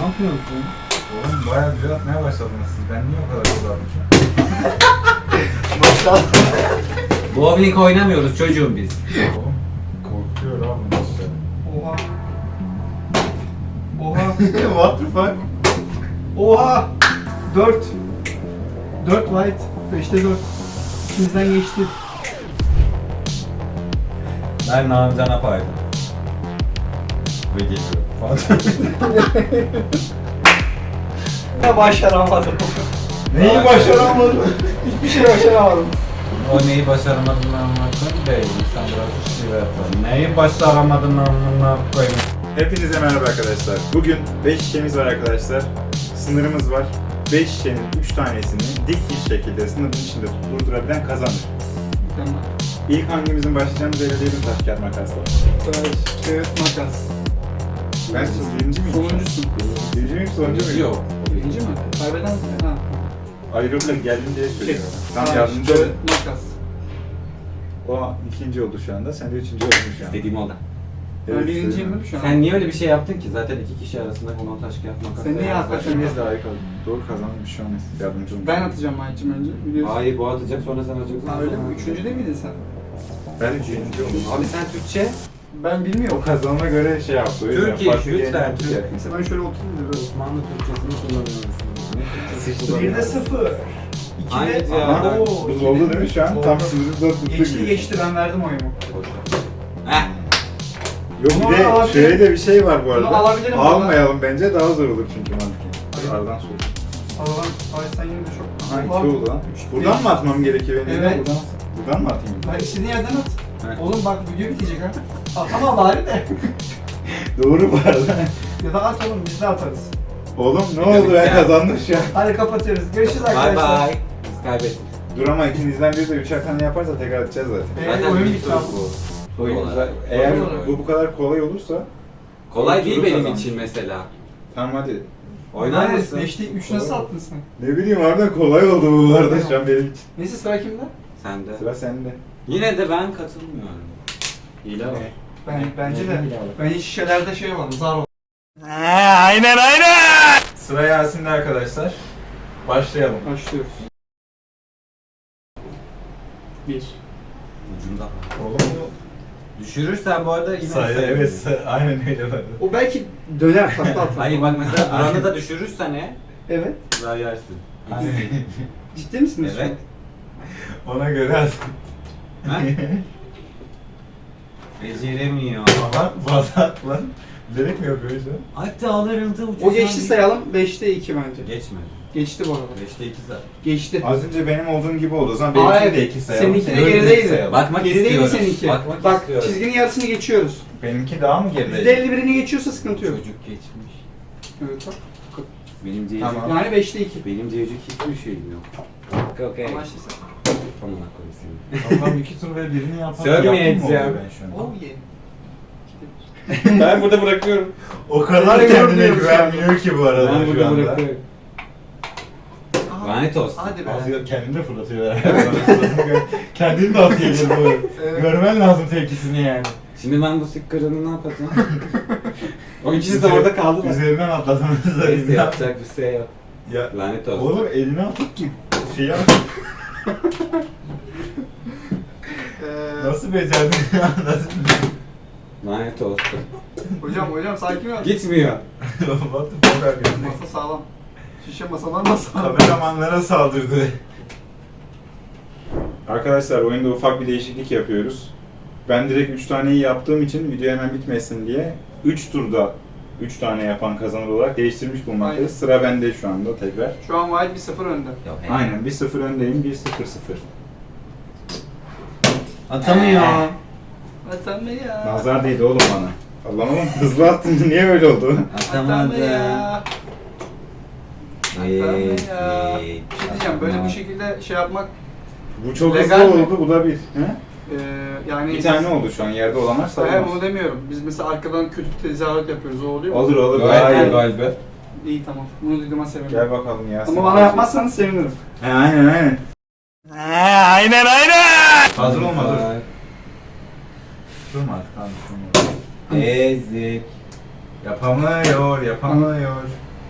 Ne yapıyorsun? Oğlum bayağı güzel atmaya başladınız siz. Ben niye o kadar güzel atmışım? Maşallah. Bowling oynamıyoruz çocuğum biz. Oğlum korkuyor abi bu işte. Oha. Oha. What the fuck? Oha. 4. 4 white. 5'te 4. İkimizden geçti. Ben Namcan'a paydım. Ve geliyorum falan. Ne başaramadım. Neyi başaramadın? Hiçbir şey başaramadım. O neyi başaramadın anlatın değil. İnsan biraz şive yapar. Neyi başaramadın anlamına koyayım. Hepinize merhaba arkadaşlar. Bugün 5 şişemiz var arkadaşlar. Sınırımız var. 5 şişenin 3 tanesini dik bir şekilde sınırın içinde durdurabilen kazanır. İlk hangimizin başlayacağını belirleyelim taş kağıt makasla. Evet, makas. Ben siz birinci miyim? Sonuncusun. Birinci miyim sonuncu muyum? Yok. Birinci mi? Kaybeden mi? Ha. Ayrılık geldim diye söylüyorum. Tam Taş, yardımcı kağıt, olun. makas. O ikinci oldu şu anda. Sen de üçüncü oldun şu an. Dediğim oldu. Ben birinciyim değil mi şu an? Sen niye öyle bir şey yaptın ki? Zaten iki kişi arasında konan taş kağıt makas. Sen niye yaptın? hakikaten- İkimiz de harika. Doğru kazanmış şu an. Yardımcı olun. Ben atacağım Mahit'cim önce. Biliyorsun. Hayır bu atacak sonra sen atacaksın. Ha öyle mi? Üçüncü değil miydin sen? Ben üçüncü oldum. Abi sen Türkçe. Ben O bilmiyorum. kazanana göre şey yaptı. O yüzden Türkiye, farklı lütfen. yerden yaptı. Neyse ben şöyle oturayım da biraz. Osmanlı Türkçesini kullanıyoruz. Sıçtı. 1'de 0. Hayır 2'de... ya. Aha, Oo, buz oldu değil mi şu an? Oldu. Tam sınırı dört tuttuk. Geçti ben verdim oyumu. Heh. Yok Bunu bir de alabilirim. şöyle de bir şey var bu Bunu arada. alabilirim Almayalım bence daha zor olur çünkü mantıken. Aradan soğuk. Allah'ım ay sen yine de çok... Ha iki oldu lan. Buradan mı atmam gerekiyor benim? Evet. Buradan mı atayım? Ben istediğin yerden at. Evet. Oğlum bak video bitecek ha. Atamam bari de. Doğru bu arada. Ya da at oğlum biz de atarız. Oğlum ne Video oldu bitti ben ya. kazandım şu an. Hadi kapatıyoruz. Görüşürüz Bye arkadaşlar. bye. Biz kaybettik. Dur ama ikinizden biri de üçer tane yaparsa tekrar atacağız zaten. Zaten Oyun bir bitti tur abi. bu. Oyun Kolay. güzel. Eğer Kolay. bu kadar kolay olursa Kolay değil Turu benim kazanmış. için mesela. tamam hadi. Oynar Hayır, mısın? 5'te 3 nasıl attın sen? Ne bileyim harbiden kolay oldu bu arada şu an benim için. Neyse sıra kimde? Sen de. Sıra sende. Yine de ben katılmıyorum. Hile var. Bence de. Ben hiç şişelerde şey var, zar var. Sıra Yasin'de arkadaşlar. Başlayalım. Başlıyoruz. 1. Ucunda. Oğlum bu Düşürürsen bu arada yine sayı sayı. evet aynen öyle var. O belki döner takla atar. Hayır bak mesela Duran'ı da düşürürsen Evet. daha yersin. Hani Ciddi misiniz? Evet. ona göre at. Ha? Beceremiyor. Ama fazla at lan. Bilerek mi yapıyor şu an? Hatta alırıldı O geçti sayalım. 5'te 2 bence. Geçmedi. Geçti bu arada. 5'te 2 zaten. Geçti. Az önce benim olduğum gibi oldu. O zaman benimkini Hayır, de iki sayalım. seninki de Dördünü gerideydi. sayalım. Bakmak Gerideydi istiyorum. seninki. Bakmak Bak istiyorum. çizginin yarısını geçiyoruz. Benimki daha mı geride? %51'ini geçiyorsa sıkıntı yok. Çocuk geçmiş. Evet bak. Benim diyecek. Tamam. Yani 5'te 2. Benim diyecek hiçbir şeyim yok. Okey. Anlaştıysa. Tamam koyayım seni. Tamam iki tur ve birini yapalım. Sövmeyeceğim. Yaptın mı oluyor ben şu an? Oh yeah. Ben burada bırakıyorum. O kadar Ben kendine görmüyorum güvenmiyor ki bu arada Ben şu burada anda. bırakıyorum. Lanet olsun. Hadi be. Az kendini de fırlatıyor herhalde. Kendini de atıyor bu. Evet. Görmen lazım tepkisini yani. Şimdi ben bu sıkkırını ne yapacağım? O ikisi de orada kaldılar. Üzerinden atladınız da. Neyse yapacak bir şey yok. Ya, Lanet olsun. oğlum elini atıp ki şey yap. Nasıl becerdin ya? Nasıl? Lanet olsun. Hocam sakin ol. Gitmiyor. What the fuck are you? Masa sağlam. Şişe masadan da sağlam. Kameramanlara saldırdı. Arkadaşlar oyunda ufak bir değişiklik yapıyoruz. Ben direkt 3 taneyi yaptığım için video hemen bitmesin diye 3 turda 3 tane yapan kazanır olarak değiştirmiş bulmaktayız. Aynen. Sıra bende şu anda tekrar. Şu an Wild 1-0 önde. Aynen 1-0 öndeyim 1-0-0. Atamıyor. Atan be ya. Nazar değdi oğlum bana. Allah'ım oğlum hızlı attın niye öyle oldu? Atan be ya. Atamadı. Atan be ya. Bir şey diyeceğim böyle bu şekilde şey yapmak Bu çok Legal hızlı mi? oldu bu da bir. He? Yani... Bir tane oldu şu an yerde olanlar Hayır sayılmaz. bunu demiyorum. Biz mesela arkadan kötü tezahürat yapıyoruz. O oluyor mu? Olur olur. Gayet Gayet. galiba. İyi tamam. Bunu duyduğuma sevinirim. Gel bakalım ya. Ama bana yapmazsanız sevinirim. He aynen. Hazır olma dur. Durma artık tamam durma. Ezik. Yapamıyor.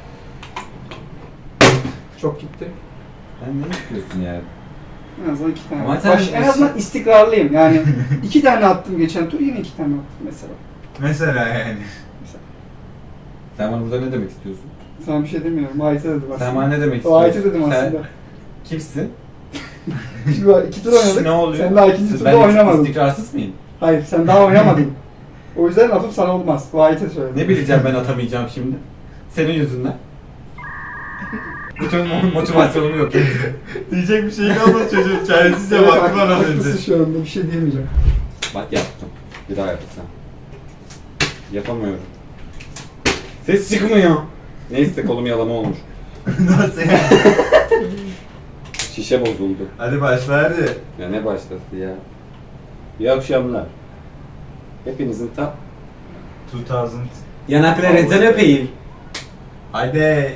Çok gitti. Sen ne yapıyorsun ya? En azından 2 tane. Ama sen- En azından istikrarlıyım. Yani 2 tane attım geçen tur, yine 2 tane attım mesela. Mesela yani. Sen bana burada ne demek istiyorsun? Sana bir şey demiyorum. Ayete dedim aslında. Sen bana ne demek O istiyorsun? ayete dedim Sen aslında. kimsin? Şimdi 2 tur oynadık. Ne oluyor? Sen daha 2. turda Ben oynamadın. istikrarsız mıyım? Hayır, sen daha oynamadın. O yüzden lafım sana olmaz. O ayete söyledim. Ne bileceğim ben atamayacağım şimdi? Senin yüzünden. Bütün motivasyonumu yok ettin. Diyecek bir şey kalmadı çocuğun. Çaresizce Evet, baktı bana az haklısın önce. şu anda, bir şey diyemeyeceğim. Bak yaptım. Bir daha yapacağım. Yapamıyorum. Ses çıkmıyor. Neyse kolum yalama olmuş. Nasıl yani? Şişe bozuldu. Hadi başla hadi. Ya ne başladı ya? İyi akşamlar. Hepinizin 2000. yanaklarınızdan öpeyim. Haydi.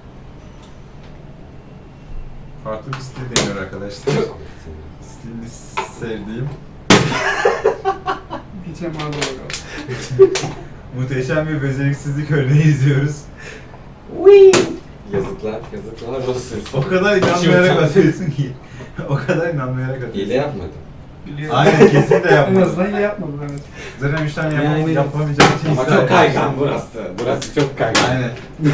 Farklı bir stil deniyor arkadaşlar. Stilini sevdiğim. Geçen bana doğru. Muhteşem bir beceriksizlik örneği izliyoruz. Yazıklar olsun. O kadar inanmayarak atıyorsun ki. O kadar inanmayarak atıyorsun. Hile yapmadım. Biliyorum. Aynen kesinlikle En yapmadım. azından iyi yapmadın, evet. Zaten 3 tane Yani- yapamayacağım için Ama ısrar çok kaygan etmiştim. burası. Burası çok kaygan. Aynen.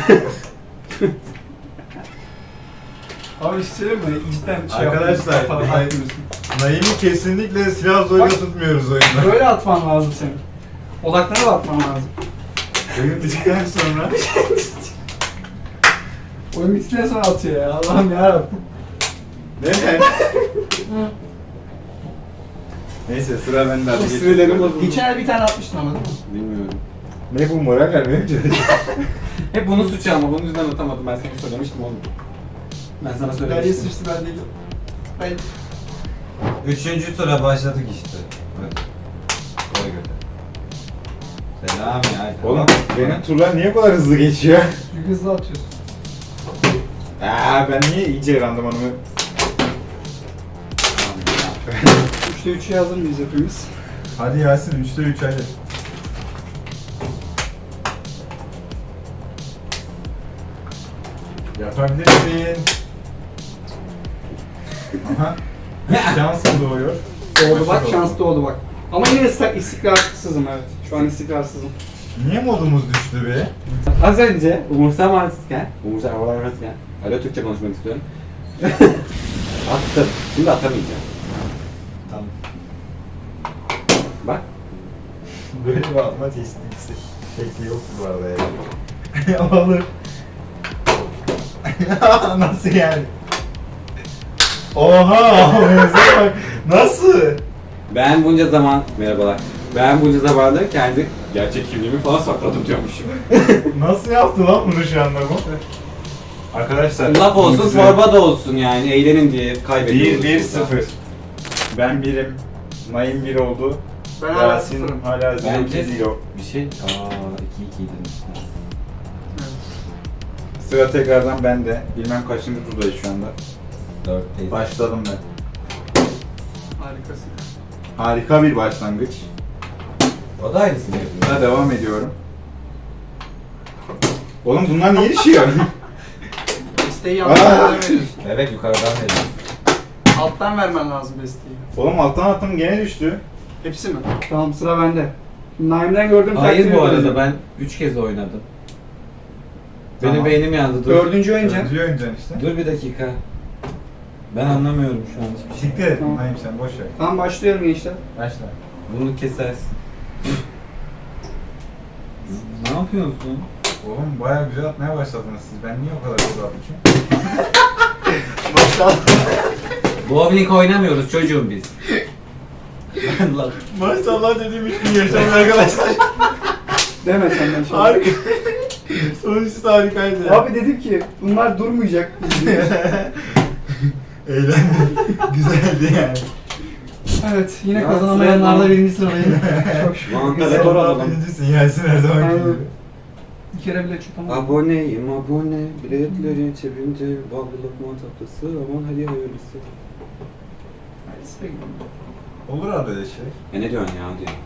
Abi bir şey söyleyeyim mi? İçten şey Arkadaşlar, yapıyorsun, hayır. atmıyorsun. Naim'i kesinlikle silah zoruyla Bak. tutmuyoruz oyunda. Böyle atman lazım senin. Odaklara da atman lazım. Oyun bittikten sonra Oyun bittikten sonra atıyor ya. Allah'ım yarabbim. neden? Neyse sıra bende hadi geç. Sinirlerim bozuldu. Geçen ay bir tane atmıştın ama değil mi? Bilmiyorum. Ne bu moral vermeye mi çalışıyorsun? Hep bunun suçu ama bunun yüzünden atamadım. Ben sana söylemiştim oğlum. Ben sana Derya söylemiştim. sıçtı, ben değilim. Ben... Üçüncü tura başladık işte. Hadi. Koy götür. Selam ya. Oğlum benim turlar niye bu kadar hızlı geçiyor? Çünkü hızlı atıyorsun. Ben niye iyice randımanımı... 3'te 3'e hazır mıyız hepimiz? Hadi Yasin 3'te 3 hadi. Yapabilirsin. Aha. Şans mı doğuyor? Doğdu bak, Başla şans doğdu bak. Ama yine istikrarsızım, evet. Şu an istikrarsızım. Niye modumuz düştü be? Az önce umursamazken, alo Türkçe konuşmak istiyorum. Attım. Şimdi atamayacağım. Tamam. Bak. Böyle bir atma tekniği şekli yok bu arada yani. Olur. Nasıl yani? Oha! Mevzuya bak. Nasıl? Ben bunca zaman, merhabalar. Ben bunca zamanda kendi gerçek kimliğimi falan sakladım diyormuşum. Nasıl yaptı lan bunu şu anda bu? Arkadaşlar. Laf olsun, size torba da olsun yani. Eğlenin diye kaybediyoruz. 1-1-0. Ben 1'im. Naim 1 oldu. Ben hala Yasin sıfırım. hala 0-2-0. Bir şey, 2-2 demişler. Sıra tekrardan bende. Bilmem kaçıncı turdayız şu anda. 4'teyiz. Başladım ben. Harikasın. Harika bir başlangıç. O da aynısını yapıyor. Buna devam ediyorum. Oğlum bunlar niye düşüyor? Besteyi yandan veriyorsun. Evet, yukarıdan veriyoruz. Alttan vermen lazım besteyi. Oğlum alttan attım gene düştü. Hepsi mi? Tamam, sıra bende. Naim'den gördüm. Hayır bu arada ben 3 kez oynadım. Benim Tamam. beynim yandı. Dur. Dördüncü oyuncu. Dördüncü oyuncaksın işte. Dur bir dakika. Ben anlamıyorum şu an hiçbir şey. Siktir et Tamam. Naim sen boş ver. Tamam, başlıyorum gençler. Başla. Bunu kesersin. Ne yapıyorsun? Oğlum bayağı güzel atmaya başladınız siz. Ben niye o kadar güzel atmışım? Maşallah. Bowling oynamıyoruz çocuğum biz. Lan. Maşallah dediğim 3 gün yaşamış arkadaşlar. Deme senden şimdi. Harika. Sonuçta harikaydı. ya. Abi dedim ki bunlar durmayacak. Eğlendim. Güzeldi yani. Evet, yine Ya, kazanamayanlarda sıra- birinci sıradayım. Çok şükür. Mantar Sonra alalım. birincisin Yasin her zaman Aynen. gibi. Bir kere bile çutamadım. Aboneyim abone, biletleri cebimde, ballı lokma tatlısı, aman hadi hayırlısı. Hadi sıra gidelim. Olur abi öyle şey. Ne diyorsun ya diye.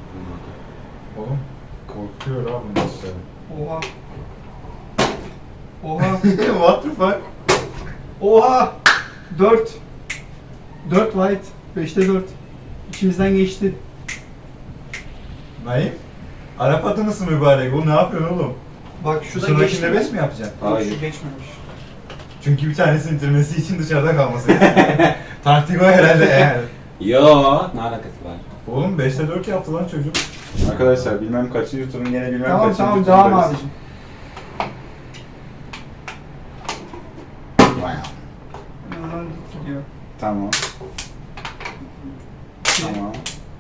Oğlum korkuyor abi nasıl? Oha. Oha. What the fuck? Oha. 4. 4 white. 5'te 4. İçimizden geçti. Naim? Arap atı mısın mübarek? Bu ne yapıyorsun oğlum? Bak şu da Sıradakinde geçti. 5 mi yapacaksın? Hayır. Şu geçmemiş. Çünkü bir tanesini bitirmesi için dışarıda kalması gerekiyor. Taktik o herhalde yani. Yo, ne alakası var? Oğlum 5'te 4 yaptı lan çocuk. Arkadaşlar bilmem kaçıncı turun gene bilmem Tamam kaçıncı tamam turundayız. devam abicim. Yanından gidiyor. Tamam. Tamam.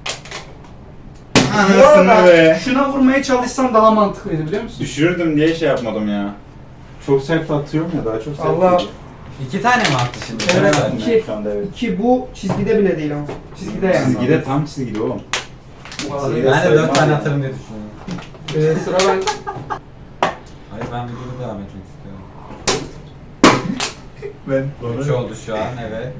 Bu Anasını arada be. şuna vurmaya çalışsan daha mantıklıydı biliyor musun? Düşürürdüm diye şey yapmadım ya. Çok sert atıyorum ya daha çok sert. Allah. atıyor. 2 tane mi attı şimdi? Evet. Sen mi? İki. Şu anda evet. Ki bu çizgide bile değil ama. Çizgide yani. Çizgide tam çizgide oğlum. Bu kadar. Çizgide. Ben de 4 tane atarım diye düşünüyorum. Sıra ben. Hayır ben videoda devam etmek istiyorum. Ben 3 oldu şu an evet.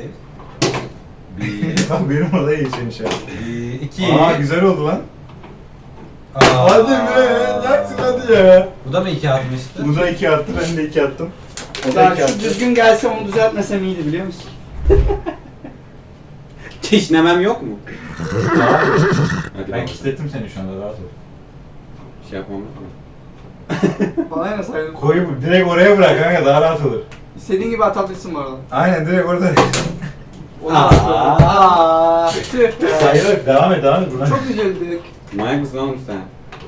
1 Bak benim orada geçen şey. 2 Aa güzel oldu lan. Hadi be, yaksın hadi ya. Bu da mı 2 atmıştı? Bu da 2 attı, ben de 2 attım. O da Ya 2 şu attı. düzgün gelse onu düzeltmesem iyiydi biliyor musun? Kişnemem yok mu? Hadi Ben bak. kilitledim seni şu anda, rahat ol. Şey yapmam yok mu? Bana ne saydın? Koyu direkt oraya bırak kanka, daha rahat olur. İstediğin gibi atabilirsin bu arada. Aynen direkt orada. Aaa. Tüh. Sayılır, devam et buradan. Çok üzüldük. Manyak mısın oğlum sen?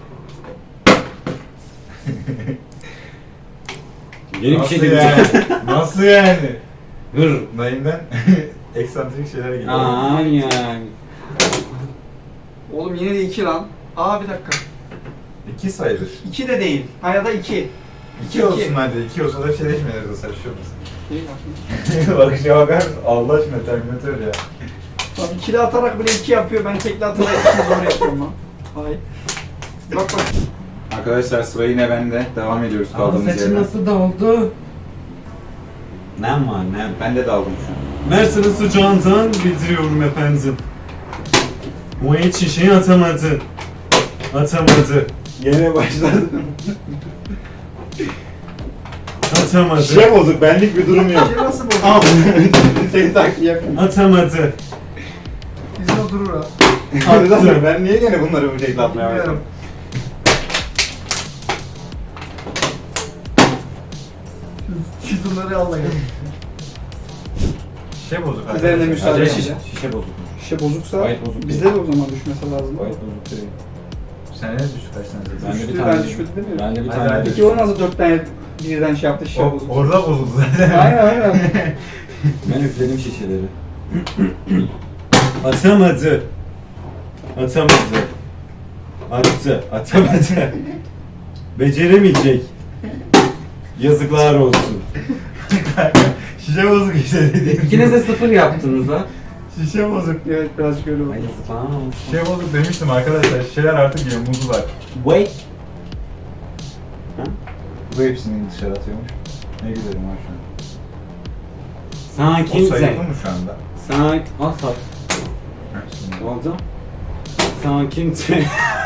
Yeni bir şey Nasıl deneyeceğim. yani? Nasıl yani? Hır. Naim'den eksantrik şeyler geliyor. Aa yani. Oğlum yine de 2 lan. Aa bir dakika. 2 sayılır. 2 de değil. Ha ya da 2. 2 olsun hadi, 2 olsa da bir şey değişmedi de saçıyor musun? Değil aslında. Bakışa bakar mısın? Allah aşkına Terminator ya. Lan ikili atarak bile 2 yapıyor. Ben tekli atarak 2 zor yapıyorum lan. Hay. Bak bak. Arkadaşlar sıra yine bende. Devam ediyoruz kaldığımız yerden. doldu? Nem var nem. Ben de daldım şu an. Mersin'in sıcağından bildiriyorum efendim. O hiç şişeyi atamadı. Atamadı. Yine başladım. Atamadı. Şey bozuk, benlik bir durum yok. Şey nasıl bozuldu? Al. Seni takip yapayım. Atamadı. Bizim o durur ha. Attı. Ben niye gene bunları bu şekilde atmaya başladım? Bilmiyorum. Siz bunları almayın. Şişe bozuk. Üzerine arkadaşlar. müsaade Acele edeceğim. şişe bozuk. Şişe bozuksa Gayet bozuk bizde de o zaman düşmesi lazım. Gayet bozuk değil. Sen ne düşük kaç tane Ben de Düştü, bir tane ben düşmedi demiyorum. Ben de bir Hadi, tane hadi. Peki o nasıl 4 tane birden şey yaptı şişe bozuk? Orada bozuldu zaten. Aynen aynen. Ben üfledim şişeleri. Atamadı. Atamadı. Attı. Atamadı. Beceremeyecek. Yazıklar olsun. Şişe bozuk işte dediğim. İkiniz de 0 yaptınız ha. Şişe bozuk. Evet birazcık öyle oldu. Ay yazıklar olsun. Şişe bozuk demiştim arkadaşlar. Şişeler artık yiyor, muzlar. Wait. Bu hepsini dışarı atıyormuş. Ne güzelim var şu an. O Sakin sayıldı sen. mı şu anda? Sakin. Al sak. Ha, şimdi. Ne oldu? Sakin sen.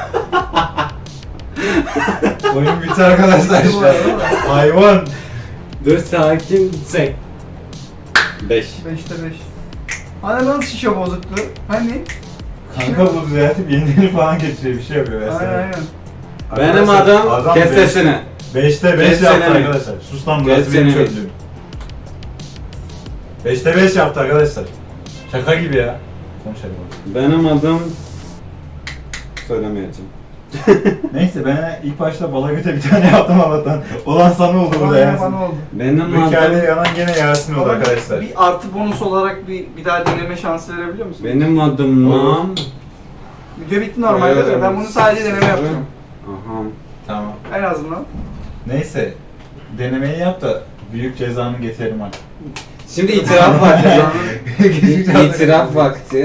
Oyun bitti arkadaşlar şu an. Hayvan. Dur sakin sen. 5. 5'te 5. Hani nasıl şişe bozuktu? Hani? Kanka bu düzeltip yenilerini falan getiriyor, bir şey yapıyor Aynen mesela. aynen. Benim adım kes sesini. 5'te 5 Kes yaptı seni. arkadaşlar. Sus lan, burası Kes benim seni. çöplüğüm. 5'te 5 yaptı arkadaşlar. Şaka gibi ya. Konuşalım. Benim adım... Söylemeyeceğim. Neyse ben ilk başta bala göte bir tane yaptım Allah'tan. Olan sana oldu burada Aynen yani. bana oldu. Benim Bu hikayede adım... yanan gene Yasin oldu Bana arkadaşlar. Bir artı bonus olarak bir daha deneme şansı verebiliyor musun? Benim adım Nam. Video bitti normalde de ben bunu sadece deneme yapacağım. Aha. Tamam. En azından. Neyse. Denemeyi yap da büyük cezanı getirelim artık. Şimdi itiraf vakti. İtiraf vakti.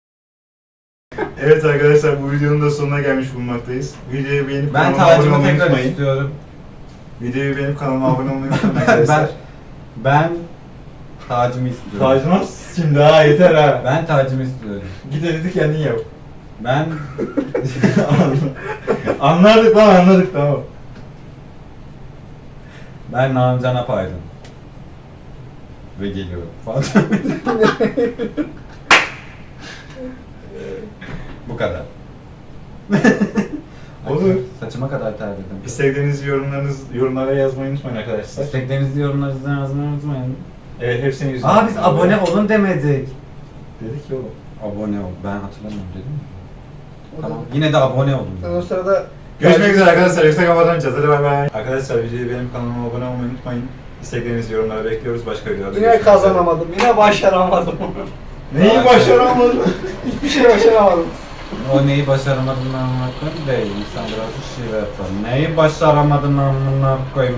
Evet arkadaşlar, bu videonun da sonuna gelmiş bulunmaktayız. Videoyu beğenip Ben kanalıma abone tacımı olmayı tekrar unutmayın. istiyorum. Videoyu beğenip kanalıma abone olmayı unutmayın arkadaşlar. Ben tacımı istiyorum. Tacına şimdi ha, yeter ha. Ben tacımı istiyorum. Git editi kendin yap. Ben Anladık lan, anladık, tamam. Ben Namcan'a paydım. Ve geliyorum falan. Bu kadar. Olur. Saçıma kadar terledim. İstediğiniz yorumlara yazmayı unutmayın arkadaşlar. İsteklerinizi yorumlarınızı yazmayı unutmayın. Evet hepsini yüzünden. Aa biz abone olun demedik. dedik ya oğlum. Abone ol. Ben hatırlamıyorum dedim mi? Tamam. Yine de abone olun. Ben o sırada Görüşmek üzere arkadaşlar. Yoksa kapatamayacağız. Hadi bay bay. Arkadaşlar videoyu benim kanalıma abone olmayı unutmayın. İsteklerinizi yorumlara bekliyoruz. Başka videolarda yine görüşmek üzere. kazanamadım. Yine başaramadım. Neyi başaramadın? Hiçbir şey başaramadım. O neyi başaramadın amına koyayım değil. İnsan biraz bir şey yapar. Neyi başaramadın amına koyayım.